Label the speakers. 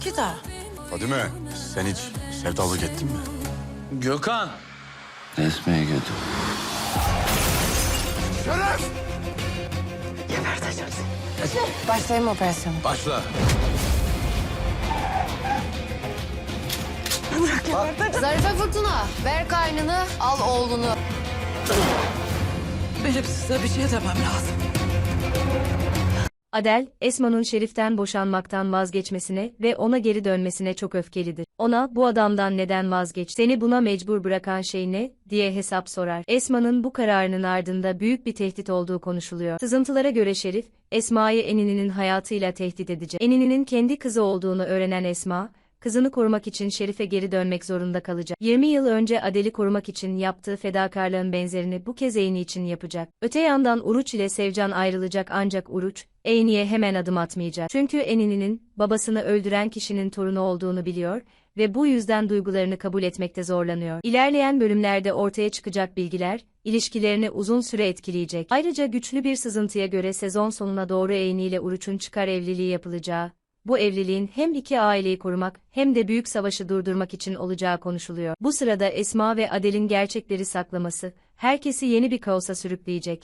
Speaker 1: Kita.
Speaker 2: Fadime, sen hiç sevdalık ettin mi?
Speaker 3: Gökhan.
Speaker 4: Resmiye götür.
Speaker 2: Şeref!
Speaker 1: Başlayayım operasyonu.
Speaker 3: Başla.
Speaker 1: Zarife Fırtına, ver kaynını, al oğlunu.
Speaker 5: Benim size bir şey demem lazım.
Speaker 6: Adel, Esma'nın Şerif'ten boşanmaktan vazgeçmesine ve ona geri dönmesine çok öfkelidir. Ona, bu adamdan neden vazgeç, seni buna mecbur bırakan şey ne, diye hesap sorar. Esma'nın bu kararının ardında büyük bir tehdit olduğu konuşuluyor. Sızıntılara göre Şerif, Esma'yı Enini'nin hayatıyla tehdit edecek. Enini'nin kendi kızı olduğunu öğrenen Esma, kızını korumak için Şerif'e geri dönmek zorunda kalacak. 20 yıl önce Adel'i korumak için yaptığı fedakarlığın benzerini bu kez Eyni için yapacak. Öte yandan Uruç ile Sevcan ayrılacak ancak Uruç, Eyni'ye hemen adım atmayacak. Çünkü Enini'nin, babasını öldüren kişinin torunu olduğunu biliyor ve bu yüzden duygularını kabul etmekte zorlanıyor. İlerleyen bölümlerde ortaya çıkacak bilgiler, ilişkilerini uzun süre etkileyecek. Ayrıca güçlü bir sızıntıya göre sezon sonuna doğru Eyni ile Uruç'un çıkar evliliği yapılacağı, bu evliliğin hem iki aileyi korumak hem de büyük savaşı durdurmak için olacağı konuşuluyor. Bu sırada Esma ve Adel'in gerçekleri saklaması, herkesi yeni bir kaosa sürükleyecek.